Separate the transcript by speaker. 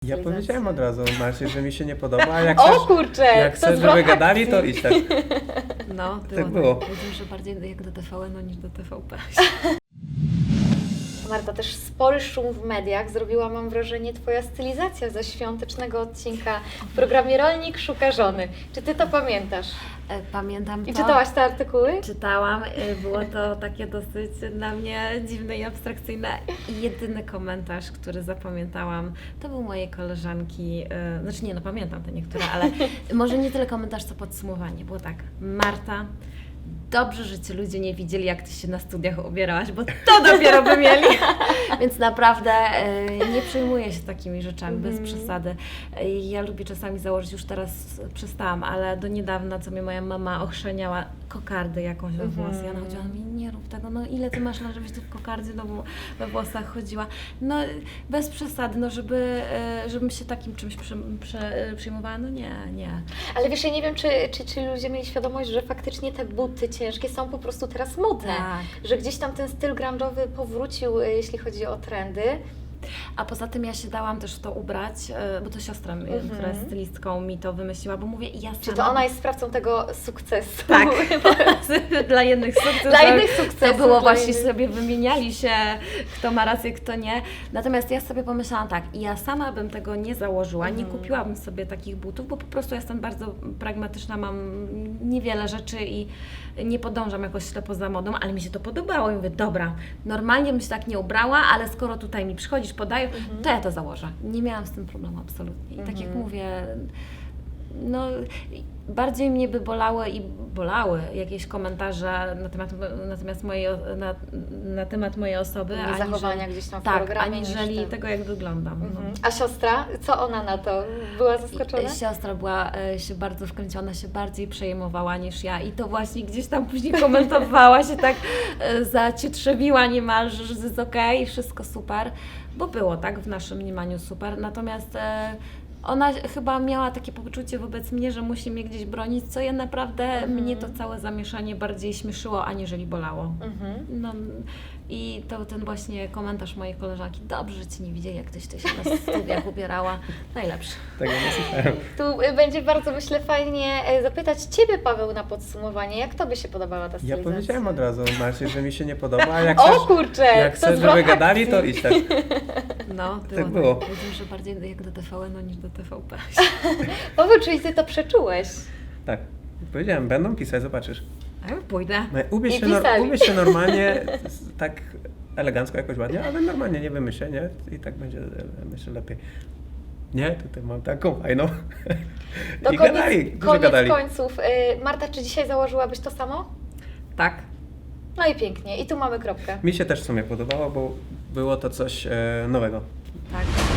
Speaker 1: Ja
Speaker 2: stylizację.
Speaker 1: powiedziałem od razu Marcie, że mi się nie podoba, a jak
Speaker 2: O
Speaker 1: chcesz,
Speaker 2: kurczę!
Speaker 1: jak
Speaker 2: to
Speaker 1: chcesz
Speaker 2: zwrot
Speaker 1: żeby gadali,
Speaker 2: akcji.
Speaker 1: to idź tak.
Speaker 2: No,
Speaker 1: Tak było.
Speaker 2: Powiedział, że bardziej jak do TVN-u niż do TVP. Marta, też spory szum w mediach zrobiła, mam wrażenie, Twoja stylizacja ze świątecznego odcinka w programie Rolnik szuka żony. Czy Ty to pamiętasz?
Speaker 3: Pamiętam to.
Speaker 2: I czytałaś te artykuły?
Speaker 3: Czytałam, było to takie dosyć dla mnie dziwne i abstrakcyjne. I jedyny komentarz, który zapamiętałam, to był mojej koleżanki, znaczy nie, no pamiętam te niektóre, ale może nie tyle komentarz, co podsumowanie. Było tak: Marta, dobrze, że Cię ludzie nie widzieli, jak Ty się na studiach ubierałaś, bo to dopiero by mieli. Więc naprawdę nie przejmuję się takimi rzeczami, bez przesady. Ja lubię czasami założyć, już teraz przestałam, ale do niedawna, co mnie moja mama ochrzeniała, kokardę jakąś we włosy. Ja chodziła, mi nie rób tego, no ile Ty masz lat, żebyś Ty w kokardzie we włosach chodziła. No bez przesady, no żebym się takim czymś przejmowała, no nie.
Speaker 2: Ale wiesz, ja nie wiem, czy ludzie mieli świadomość, że faktycznie te buty ciężkie są po prostu teraz modne.
Speaker 3: Tak.
Speaker 2: Że gdzieś tam ten styl grunge'owy powrócił, jeśli chodzi o trendy.
Speaker 3: A poza tym ja się dałam też w to ubrać, bo to siostra, która jest stylistką, mi to wymyśliła, bo mówię, ja sama...
Speaker 2: Czy to ona jest sprawcą tego sukcesu?
Speaker 3: Tak, dla jednych sukces.
Speaker 2: Dla innych sukcesów,
Speaker 3: To było
Speaker 2: dla
Speaker 3: właśnie,
Speaker 2: innych.
Speaker 3: sobie wymieniali się, kto ma rację, kto nie. Natomiast ja sobie pomyślałam tak, ja sama bym tego nie założyła, nie kupiłabym sobie takich butów, bo po prostu jestem bardzo pragmatyczna, mam niewiele rzeczy i nie podążam jakoś ślepo za modą, ale mi się to podobało i mówię, dobra, normalnie bym się tak nie ubrała, ale skoro tutaj mi przychodzisz, podają, to ja to założę. Nie miałam z tym problemu absolutnie. I tak jak mówię, no bardziej mnie by bolały jakieś komentarze na temat mojej osoby,
Speaker 2: Nie zachowania gdzieś tam w
Speaker 3: tak,
Speaker 2: programie, niż
Speaker 3: aniżeli
Speaker 2: ten.
Speaker 3: tego, jak wyglądam. No.
Speaker 2: A siostra, co ona na to? Była zaskoczona?
Speaker 3: Siostra była się bardzo wkręciona, się bardziej przejmowała niż ja i to właśnie gdzieś tam później komentowała, się tak zacietrzewiła niemalże, że jest okej, wszystko super, bo było tak w naszym mniemaniu super, natomiast ona chyba miała takie poczucie wobec mnie, że musi mnie gdzieś bronić, co ja naprawdę, mnie to całe zamieszanie bardziej śmieszyło, aniżeli bolało. No, i to ten właśnie komentarz mojej koleżanki, dobrze, że Cię nie widzieli, jak Tyś się na studiach ubierała, najlepszy.
Speaker 1: Tego nie słyszałem.
Speaker 2: Tu będzie bardzo, myślę, fajnie zapytać Ciebie, Paweł, na podsumowanie. Jak Tobie się podobała ta
Speaker 1: Ja
Speaker 2: stylizacja?
Speaker 1: powiedziałem od razu Marcie, że mi się nie podoba, a jak
Speaker 2: O
Speaker 1: chcesz,
Speaker 2: kurczę!
Speaker 1: jak
Speaker 2: to
Speaker 1: chcesz
Speaker 2: zwrot
Speaker 1: żeby gadali,
Speaker 2: akcji.
Speaker 1: to idź tak.
Speaker 3: No,
Speaker 1: Tak było.
Speaker 3: Powiedział, że bardziej jak do TVN-u niż do TVP.
Speaker 2: Paweł, czyli Ty to przeczułeś?
Speaker 1: Tak. Powiedziałem, będą pisać, zobaczysz.
Speaker 3: A ja pójdę.
Speaker 1: No,
Speaker 2: I pisali.
Speaker 1: ubierz się normalnie, tak elegancko, jakoś ładnie, ale normalnie nie wymyślę, nie? I tak będzie, myślę, lepiej. Nie, tutaj mam taką fajną.
Speaker 2: To
Speaker 1: I gadali, dużo gadali.
Speaker 2: końców. Marta, czy dzisiaj założyłabyś to samo?
Speaker 3: Tak.
Speaker 2: No i pięknie. I tu mamy kropkę.
Speaker 1: Mi się też w sumie podobało, bo było to coś nowego.
Speaker 3: Tak.